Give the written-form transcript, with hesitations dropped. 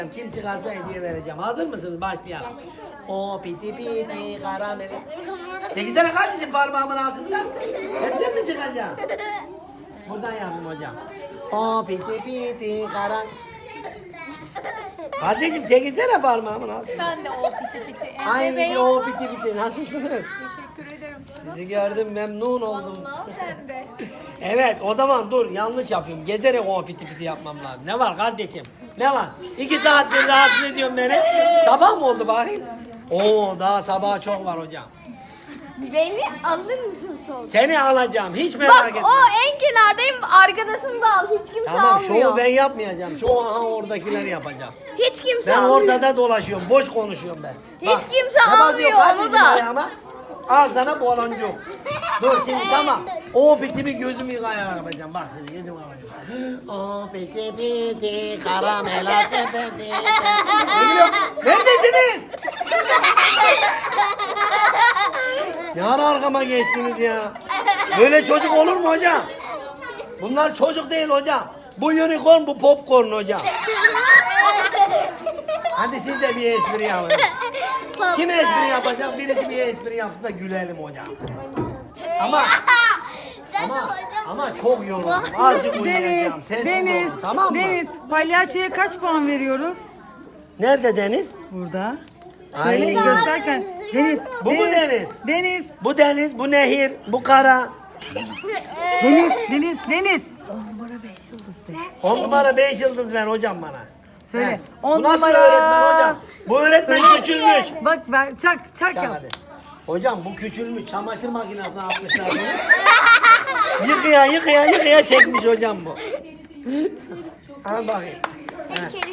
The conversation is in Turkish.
Kim çıkarsa hediye vereceğim. Hazır mısınız? Başlayalım. O piti piti karamele. Çekilsene kardeşim parmağımın altında. Hep sen mi çıkacaksın? Buradan yapayım hocam. O piti piti karam. Kardeşim çekilsene parmağımın altında. Ben de o piti piti. Ay o piti piti. Nasılsınız? Teşekkür ederim. Siz Sizi gördüm memnun oldum. nasılsınız? Sen de. Evet o zaman dur yanlış yapıyorum. Gezerek o piti piti yapmam lazım. Ne var kardeşim? Ne var? 2 saattir rahatsız ediyorsun beni. Sabah mı oldu bakayım? Oo daha sabaha çok var hocam. Beni alır mısın sol? Seni alacağım hiç merak Bak etme. o en kenardayım, arkadasını da al. Hiç kimse Tamam almıyor. şovu ben yapmayacağım. Şovu aha oradakiler yapacağım. Hiç kimse Ben almıyor. ortada dolaşıyorum. Boş konuşuyorum ben. Hiç kimse kapatıyor almıyor kardeşim onu da. ayağıma. Al sana boloncuk. Dur şimdi tamam. O piti bir gözümü yıkayarak yapacağım. Bak şimdi gözümü yıkayacağım. O piti piti karamela tepeti. Ne gülüyor? Neredesiniz? Ne ara arkama geçtiniz ya? Böyle çocuk olur mu hocam? Bunlar çocuk değil hocam. Bu unicorn, bu popcorn hocam. Hadi siz de bir espri yapın. Kim espri yapacak? Birisi bir espri yapsın da gülelim hocam. Ama Sen de ama hocam. ama çok yoruldum. Azıcık uyuyacağım. Sessiz Deniz, olun, tamam mı? Deniz, palyaçoya kaç puan veriyoruz? Nerede Deniz? Burada. Ay. Söyle gösterken. Deniz. Bu mu Deniz? Deniz, Bu deniz, bu nehir, bu kara. Deniz. 10 numara 5 yıldız ver hocam bana. Söyle. He. 10 Bu nasıl numara. öğretmen hocam? Bu öğretmen küçülmüş. Bak ver, çak Çak yap. hadi. Hocam bu küçülmüş. Çamaşır makinesine atmışlar bunu. Yıkaya çekmiş hocam bu. Al bakayım. He.